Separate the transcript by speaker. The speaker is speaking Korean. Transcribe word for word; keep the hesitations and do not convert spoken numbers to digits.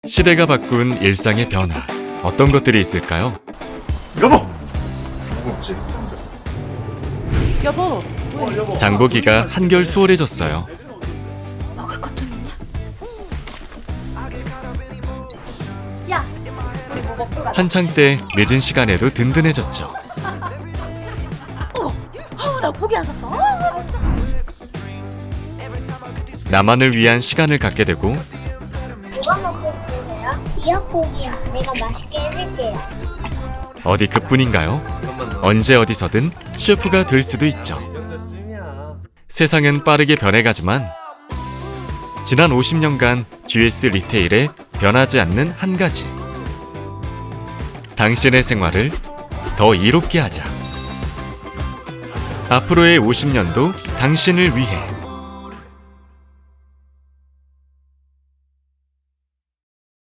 Speaker 1: 시대가 바꾼 일상의 변화, 어떤 것들이 있을까요?
Speaker 2: 여보! 여보 없지?
Speaker 3: 여보,
Speaker 1: 장보기가 한결 수월해졌어요.
Speaker 3: 먹을 것 좀 있냐? 야, 우리 뭐 먹고 가자.
Speaker 1: 한창 때 늦은 시간에도 든든해졌죠.
Speaker 3: 아우, 나 고기 안 샀어. 아우, 진짜.
Speaker 1: 나만을 위한 시간을 갖게 되고
Speaker 4: 뭐가 먹고 싶으세요? 미역국이요. 내가 맛있게 해줄게요.
Speaker 1: 어디 그뿐인가요? 언제 어디서든 셰프가 될 수도 있죠. 세상은 빠르게 변해가지만 지난 오십 년간 지에스 리테일에 변하지 않는 한 가지, 당신의 생활을 더 이롭게 하자. 앞으로의 오십 년도 당신을 위해